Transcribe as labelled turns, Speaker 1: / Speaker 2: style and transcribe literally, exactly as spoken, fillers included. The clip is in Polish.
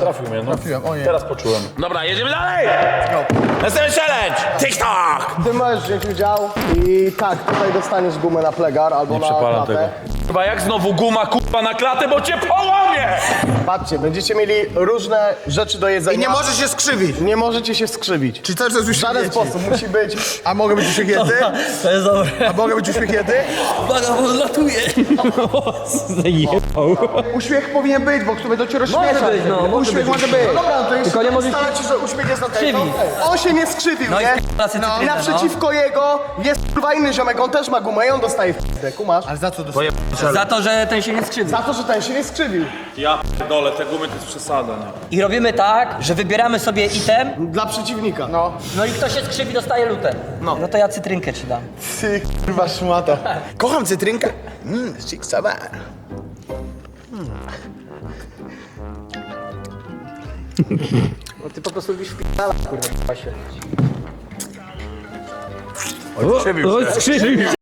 Speaker 1: Trafił mnie, no.
Speaker 2: Trafiłem, ojej.
Speaker 1: Teraz poczułem. Dobra, jedziemy dalej! Następny challenge! TikTok!
Speaker 3: Ty możesz wziąć udział i tak, tutaj dostaniesz gumę na plegar albo
Speaker 1: Nie
Speaker 3: na
Speaker 1: przepalam
Speaker 3: klatę.
Speaker 1: tego. Chyba jak znowu guma kurwa na klatę, bo cię połamie!
Speaker 3: Patrzcie, będziecie mieli różne rzeczy do jedzenia.
Speaker 2: I nie może się skrzywić.
Speaker 3: Nie możecie się skrzywić.
Speaker 2: Czy cały czas
Speaker 3: W żaden
Speaker 2: uśmiechnięci?
Speaker 3: sposób musi być.
Speaker 2: A mogę być uśmiechnięty?
Speaker 4: To jest dobre.
Speaker 2: A mogę być uśmiechnięty?
Speaker 4: Uwaga, bo latuje. Zajebał.
Speaker 2: Uśmiech powinien być, bo kto by do ciebie rozśmiesza.
Speaker 4: być, no, może
Speaker 2: Uśmiech
Speaker 4: być.
Speaker 2: może być.
Speaker 3: No dobra, to
Speaker 4: Tylko nie może się
Speaker 3: starać się, że uśmiech jest na tej.
Speaker 4: krzywi.
Speaker 3: On się nie skrzywił,
Speaker 4: No i
Speaker 3: nie?
Speaker 4: s***a cytrynę,
Speaker 3: I
Speaker 4: no.
Speaker 3: naprzeciwko jego jest kurwa inny ziomek, on też ma gumę i on dostaje f***ę, kumasz?
Speaker 2: Ale za co dostaję?
Speaker 4: Za to, że ten się nie skrzywi.
Speaker 3: Za to, że ten się nie skrzywił.
Speaker 1: Ja dole, te gumy to jest przesada, nie?
Speaker 4: I robimy tak, że wybieramy sobie item,
Speaker 3: Dla przeciwnika. No.
Speaker 4: no i kto się skrzywi, dostaje lutę. No. No to ja cytrynkę ci dam.
Speaker 2: Ty kurwa szmata. Kocham cytrynkę. Mmm, six seven.
Speaker 4: No ty po prostu lubisz w***ala, kurwa, się.
Speaker 1: Oj, skrzywił się.